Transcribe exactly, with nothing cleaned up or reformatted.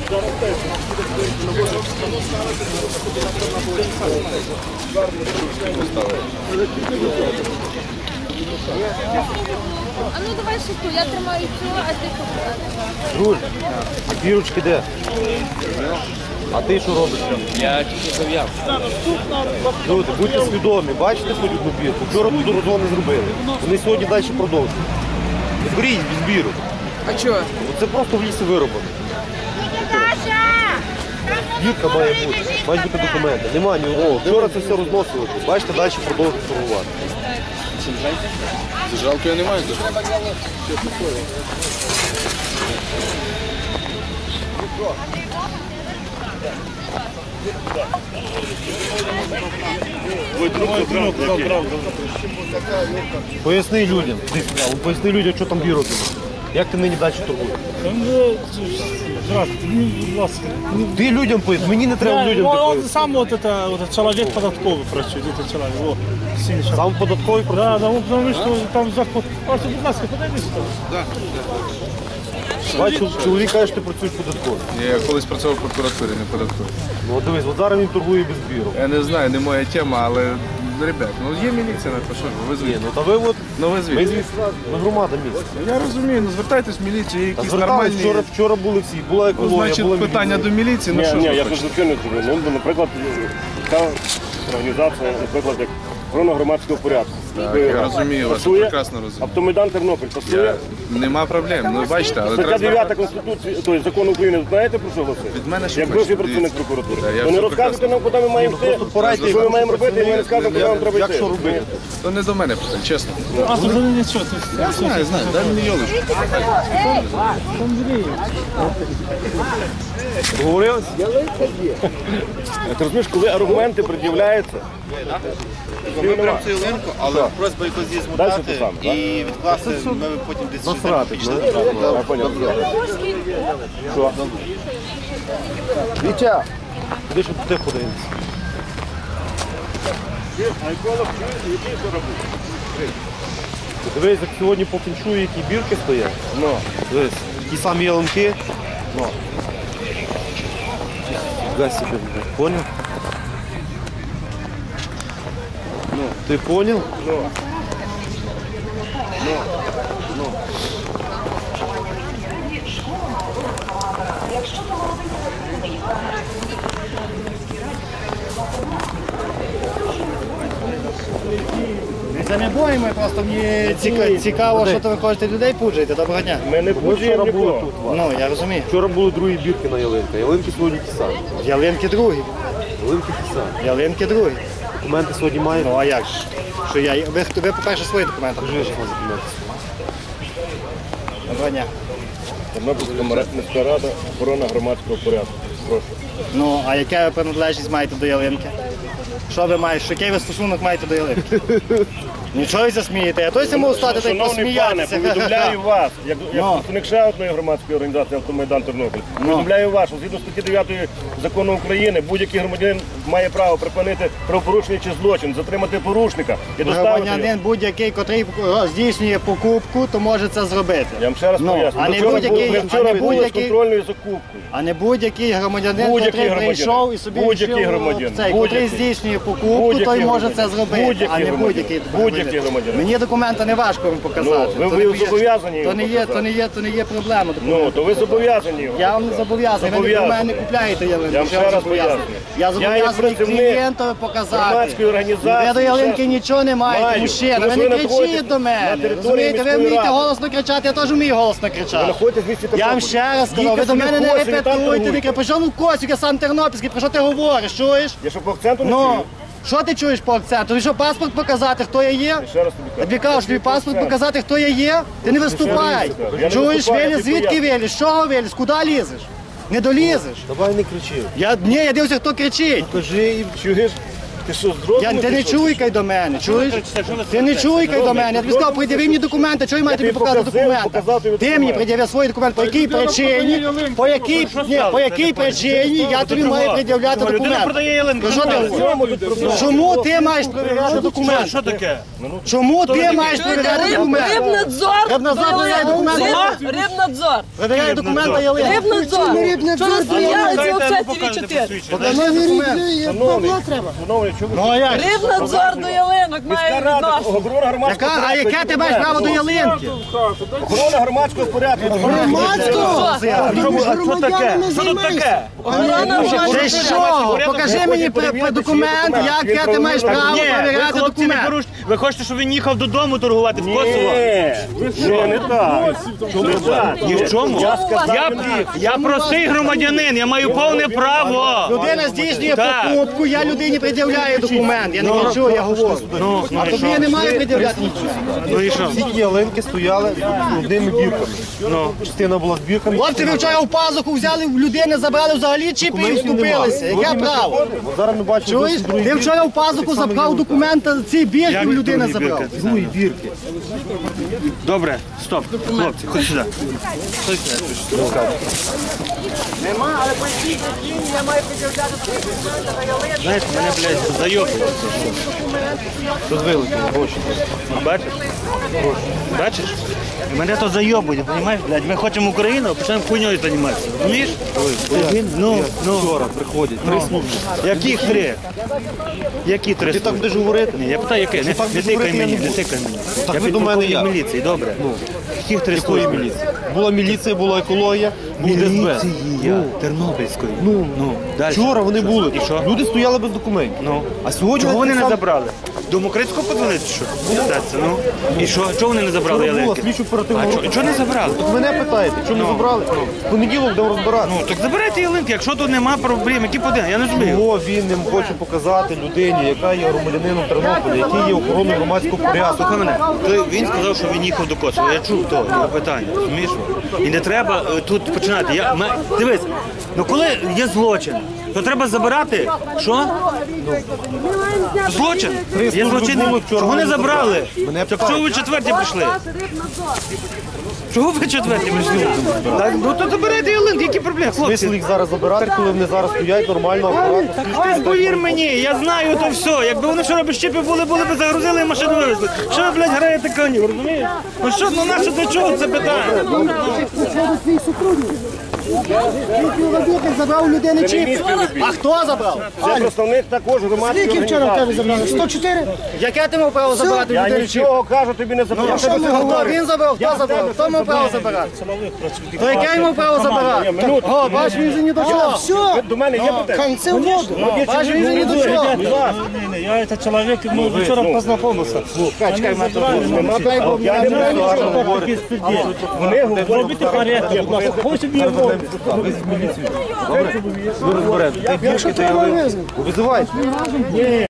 А ну давай шутку, я тримаю цю, а ти покладеш. Друже, а бірочки де? А ти що робиш? Я тільки зав'яв. Люди, будьте свідомі, бачите хоч одну бірку? Вчора тут розгон не зробили. Вони сьогодні далі продовжують. Зберіть без бірок. А чого? Це просто в лісі вироблено. Бірка має бути, мають бути документи. Нема ні одного. Вчора це все розносили. Бачите, далі продовжують торгувати. Зажалку я не маю. Поясни людям, поясни людям, що там бірок. Як ти нині далі торгуєш? Здравствуйте, мені, будь ласка. Ти людям поясни, мені не треба людям Он пояснити. сам вот это, вот этот человек податковый працює, это человек, о, синий человек. Сам податковий Да, працює? да, он потому что там заход. Ось, будь ласка, подойди сюди. Бачу, чоловік каже, що ти працюєш податково. Я колись працював в прокуратурі, не податковій. Ну от дивись, от зараз він торгує без бірок. Я не знаю, не моя тема, але, ребят, ну є міліція на то, що ж ви, ви Ні, звідти. ну та ви от, Ну ви ми звідти. звідси, ми громада міста. Я розумію, ну звертайтесь в міліцію, є Та якісь звертались, нормальні... вчора, вчора були всі, була Ну, екологія, була значить, питання до міліції, ну Ні, що ні, ж ви я хочете? щось не кажу. Ну, наприклад, така організація, наприклад, як охорона громадського порядку. Так, я розумію вас, я Пасує? прекрасно розумію. Автомайдан Тернопіль пасує. Я... Нема проблем, ну бачите, але Стаття треба... дев'ята Конституції, тобто закону України, знаєте про що голосує? Від мене що Як хочете, бивший працівник дивіться. прокуратури. Так, я То не все розказуйте прекрасно. нам, куди ми маємо йти, порадьте, що ми як маємо робити, і ми не скажемо, куди нам треба Як йти. що робити? То не до мене питання, чесно. А тут вони нічого. Я знаю, знаю, дай мені йолочку. Договорились? Ти розумієш, коли аргументи пред'являються, Ми беремо цю ялинку, але просьба якось її Дальше змотати ти сам, так? і відкласти, ми потім десь щось Насрати, пішли. я поняв. Що? Вітя! Куди ж туди подивимося? А еколог, який що робить? Дивись, як сьогодні по феншую, які бірки стоять. Ну, Дивись, ті самі ялинки. ну. Фіга собі, поняв? Ну, ти поняв? Ну. Це не бої, ми просто мені ціка- цікаво, що то ви хочете людей пуджуєте. Доброго дня. Ми не Ми пуджуємо вчора були нікого. тут. Ваня. Ну, я розумію. Вчора були другі бірки на ялинка. Ялинки сьогодні ті самі. Ялинки другі. Ялинки ті самі. Ялинки другі. Документи сьогодні мають. Ну, а як ж? Що я, ви, ви по-перше, свої документи. Покажи, що на документи. Доброго дня. Тернопільська міська рада, охорона громадського порядку. Прошу. Ну, а яка ви приналежність маєте до ялинки? Що ви маєте? Який ви стосунок маєте до ялинки? Нічого ви засмієте. Я точно можу стати так Шановний пане, посміятися. повідомляю вас, як, як Ну. представник ще одної громадської організації «Автомайдан Тернопіль», повідомляю вас, що згідно статті дев'ятої закону України будь-який громадянин має право припинити правопорушення чи злочин, затримати порушника і доставити його. Громадянин будь-який, котрий здійснює покупку, то може це зробити. Я вам ще раз Ну, поясню. а Ми не вчора будь-який- були- Ми а вчора не були з будь-який- контрольною закупкою. А не будь-який громадянин, Будь-який котрий громадянин. прийшов і собі Будь-який вирішив, громадянин. цей, Будь-який. котрий здійснює покупку, Будь-який той може громадянин. це зробити, Будь-який а не громадянин. будь-який. Будь-який громадянин. Мені документи не важко вам показати. Ну, ви- То ви не є- зобов'язані його то не є, показати. то не є, то не є проблема. Ну, документи. то ви зобов'язані його. Я вам не зобов'язаний, ви Зобов'язаний. від мене не купляєте ялинку. Я вам що ще раз зобов'язаний? пояснюю. Я Я зобов'язаний є працівник клієнтові показати. громадської організації, Ви до ялинки ще- нічого не маєте, Маю. мужчина. Тому Ви що не ви знаходитесь кричіть до на мене. території Розумієте, ви міської вмієте ради. голосно кричати, я теж вмію голосно Ви кричати. знаходитесь в місті Я вам Тернополі. ще раз сказав, Їдьте ви до собі мене в не Косів і там репетуйте, торгуйте. не кажу, що ну Косів, я сам тернопільський, про що ти говориш, чуєш? Я що по акценту не Ну, чую? що ти чуєш по акценту? Тобі що, паспорт показати, хто я є? Ще раз тобі Я кажу. тобі кажу, що тобі паспорт показати, хто я є? Ти не виступай. Я не Чуєш, виступаю, я Веліс, тобі звідки поясню. Веліс? З чого Веліс? Куди лізеш? Не долізеш. Давай не кричи. Я, ні, я дивлюся, хто кричить. Кажи і Чуєш? Ти що, з розуму Я, ти не пішов? чуйкай до мене, чуєш? Ти не чуйкай до мене. Я тобі сказав, пред'яви мені документи, чого я маю тобі тобі показати показав, документи? показав тобі Ти мені документи. пред'яви свої документи, по якій причині, по якій, ні, по якій причині я тобі маю пред'являти Людина документи. продає ялинку. Ну, що ти говориш? Чому ти маєш перевіряти документи? Що таке? Чому ти маєш перевіряти документи? Рибнадзор. Рибнадзор перевіряє документи. Рибнадзор. Перевіряє документи ялинки. Рибнадзор. Що нас стояли оце ті чотири? Покажи документи. Шановний, шановний, чому Ну а як? Рибнадзор до ялинок має міська рада, відношення. охорона громадського Яка, а порядку, яке ти маєш право до ялинки? Охорона громадського порядку. Громадського? Що таке? Що тут таке? Ти що? Покажи мені п- п- документ, яке ти маєш право Ні, ви перевіряти хлопці не документ. порушуйте. Ви хочете, щоб він їхав додому торгувати в Косово? Ні, що не так. Не так. Ні в чому? Я сказав, Я, я простий громадянин, я маю повне право. Людина здійснює Так. покупку, я людині пред'являю документ. Я не кричу, я говорю. Ну, ну А і тобі я що? не маю пред'являти нічого. Ну і що? Ці ялинки стояли одними бірками. Ну. Частина була з бірками. Хлопці, ви вчора в пазуху взяли, в людини забрали взагалі чіпи і Документів нема. вступилися. Яке Сьогодні ми право? приходимо, Зараз ми бачимо, Чуєш? досить другі Ти бірки. вчора в пазуху забрав документи, ці бірки Як в людини другі забрав. бірки? Другі бірки. Добре, стоп. Хлопці, ходь сюди. Ходь сюди. Нема, але по цій причині я маю пред'являти документи на ялинку. Знаєш, мене, блядь, зайобує. Тут вилетіли гроші. Бачиш? Бачиш? Мене то зайобує, розумієш, блядь? Ми хочемо Україну, а почнемо хуйньою займатися. Розумієш? Ну, ну. Вчора приходять три служби. Яких три? Які три? Ти так будеш говорити? Ні, я питаю, яке? Не, так не будеш тикай говорити, я мені, не не буду. тикай мені. Так Я ви до мене підполковник як? міліції, добре. Яких три Якої служби? міліції? Була міліція, була екологія, був ДСБ. Міліції, я, Тернопільської. Ну, ну, далі. Вчора вони були. І що? Люди стояли без документів. Ну. А сьогодні Чого вони не сам- забрали? До Мокрицького подзвонити, чи що? Даться, ну. І що? Чого вони не забрали Вчора була ялинки? слідчо оперативна А група. чого- чого не забрали? Так мене питаєте, чому не забрали? В понеділок будемо розбиратися. Ну, так забирайте ялинки, якщо тут нема проблем, які подивимо, я не розумію. Чого він не хоче показати людині, яка є громадянином Тернополя, який є охороною громадського порядку. Слухай мене, то він сказав, що він їхав до Косова. Я чув то, його питання, розумієш? І не треба е, тут починати. Я, ме- дивись, ну коли є злочин, то треба забирати, що? Злочин? Є служби злочинний. були вчора, Чого не вони забрали? Мене Так чого ви четверті прийшли? Чого ви четверті прийшли? Так, ну то забирайте ялинки, які проблеми, Смисл хлопці? їх зараз забирати, коли вони зараз стоять нормально, акуратно. Ти повір мені, я знаю то все. Якби вони вчора без чіпів були, були б загрузили і машину вивезли. Що ви, блядь, граєте конів, розумієш? Ну що, ну наше для чого це питання? Забрав у людини Це не чіпи. мій співробітник. А хто забрав? Це представник також громадської організації. забрали? сто чотири? Яке ти мав право забрати у Я людини чіпи? нічого кажу, тобі не запитав. Що ти говориш? Він забрав, хто забрав? Хто мав право забирати? То яке він мав право забирати? Минуту. О, бач, він же ні до чого. Ви до мене є питання? Це воду. Бач, він же ні до чого. Будь ласка. Я этот человек, мы вчера познакомился. Я не буду говорити. Вони говорять. порядок, будь ласка. Хочете Ви розберете. Тих бірки та ялинки. Визивайте.